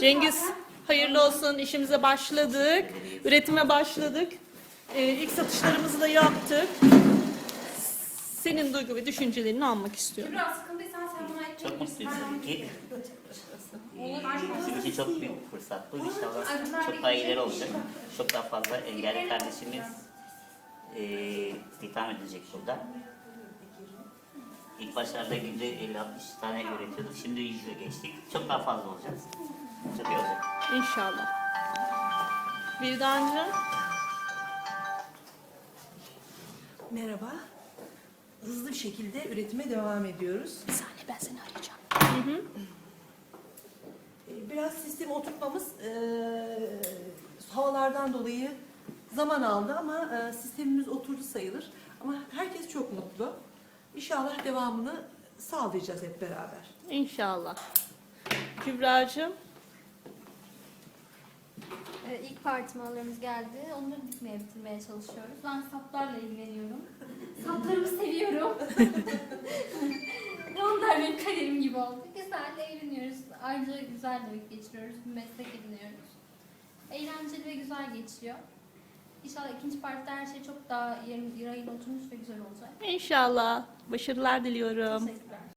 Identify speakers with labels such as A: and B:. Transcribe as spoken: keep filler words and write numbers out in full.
A: Cengiz hayırlı olsun, işimize başladık. Üretime başladık. Ee, ilk satışlarımızı da yaptık. Senin duygu ve düşüncelerini almak istiyorum.
B: Biraz sıkıntıysan sen buna ekle.
C: Çok mutluyuz tabii ki. Ee, Bizim için çok büyük bir fırsat bu. İnşallah çok daha ileri olacak. Çok daha fazla engelli kardeşimiz e, istihdam edilecek burada. İlk başlarda günde elli altmış tane üretiyorduk. Şimdi yüze geçtik. Çok daha fazla olacağız. Çok iyi olacak.
A: İnşallah. Vildancığım.
D: Merhaba. Hızlı bir şekilde üretime devam ediyoruz.
A: Bir saniye, ben seni arayacağım.
D: Ee, Biraz sistemi oturtmamız eee, havalardan dolayı zaman aldı ama eee, sistemimiz oturdu sayılır. Ama herkes çok mutlu. İnşallah devamını sağlayacağız hep beraber.
A: İnşallah. Kübra'cığım.
B: Ee, İlk parti mallarımız geldi. Onları dikmeye bitirmeye çalışıyoruz. Ben saplarla ilgileniyorum. Saplarımı seviyorum. Onlar benim kaderim gibi oldu. Güzel eğleniyoruz. Ayrıca güzel de vakit geçiriyoruz. Bir meslek ediniyoruz. Eğlenceli ve güzel geçiyor. İnşallah ikinci partide her şey çok daha yerin, rayına oturmuş ve güzel olacak.
A: İnşallah. Başarılar diliyorum.
B: Teşekkürler.